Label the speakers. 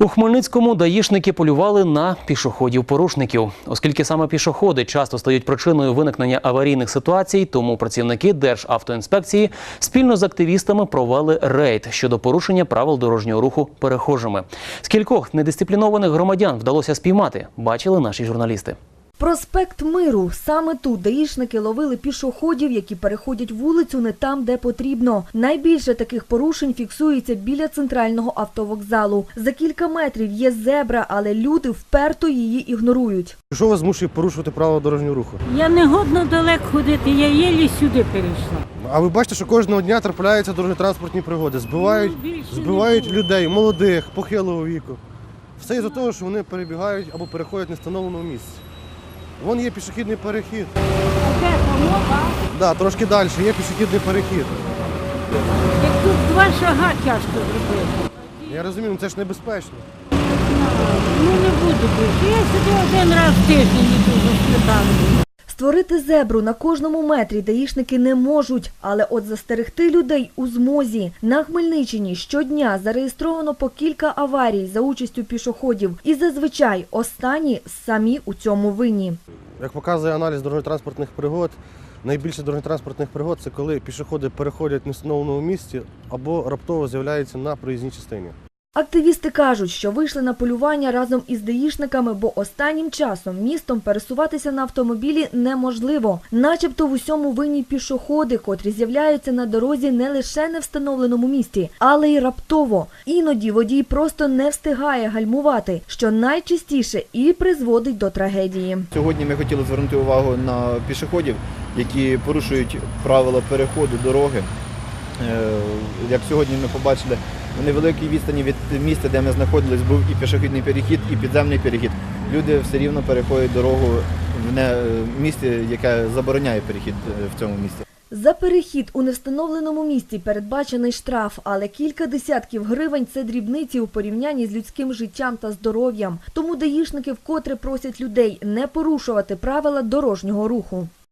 Speaker 1: У Хмельницькому даїшники полювали на пішоходів-порушників. Оскільки саме пішоходи часто стають причиною виникнення аварійних ситуацій, тому працівники Державтоінспекції спільно з активістами провели рейд щодо порушення правил дорожнього руху перехожими. Скількох недисциплінованих громадян вдалося спіймати, бачили наші журналісти.
Speaker 2: Проспект Миру. Саме тут даїшники ловили пішоходів, які переходять вулицю не там, де потрібно. Найбільше таких порушень фіксується біля центрального автовокзалу. За кілька метрів є зебра, але люди вперто її ігнорують.
Speaker 3: Що вас змушує порушувати правила дорожнього руху?
Speaker 4: Я не годна далеко ходити, я єлі сюди перейшла.
Speaker 3: А ви бачите, що кожного дня трапляються дорожньо-транспортні пригоди. Збивають людей, молодих, похилого віку. Все із-за того, що вони перебігають або переходять в невстановленому місці. Вон є пішохідний перехід.
Speaker 4: Де там?
Speaker 3: Так, трошки далі є пішохідний перехід.
Speaker 4: Як тут 2 шага тяжко зробити.
Speaker 3: Я розумію, це ж небезпечно.
Speaker 4: Ну не буду більше. Я сюди 1 раз в тиждень іду за сметаною.
Speaker 2: Створити зебру на кожному метрі даїшники не можуть, але от застерегти людей у змозі. На Хмельниччині щодня зареєстровано по кілька аварій за участю пішоходів. І зазвичай останні самі у цьому винні.
Speaker 3: Як показує аналіз дорожньо-транспортних пригод, найбільше дорожньо-транспортних пригод – це коли пішоходи переходять в невстановленому місці або раптово з'являються на проїзній частині.
Speaker 2: Активісти кажуть, що вийшли на полювання разом із даїшниками, бо останнім часом містом пересуватися на автомобілі неможливо. Начебто в усьому винні пішоходи, котрі з'являються на дорозі не лише не встановленому місці, але й раптово. Іноді водій просто не встигає гальмувати, що найчастіше і призводить до трагедії.
Speaker 5: Сьогодні ми хотіли звернути увагу на пішоходів, які порушують правила переходу дороги. Як сьогодні ми побачили, в невеликій відстані від місця, де ми знаходились, був і пішохідний перехід, і підземний перехід. Люди все рівно переходять дорогу в місці, яке забороняє перехід в цьому місці.
Speaker 2: За перехід у невстановленому місці передбачений штраф, але кілька десятків гривень – це дрібниці у порівнянні з людським життям та здоров'ям. Тому даїшники вкотре просять людей не порушувати правила дорожнього руху.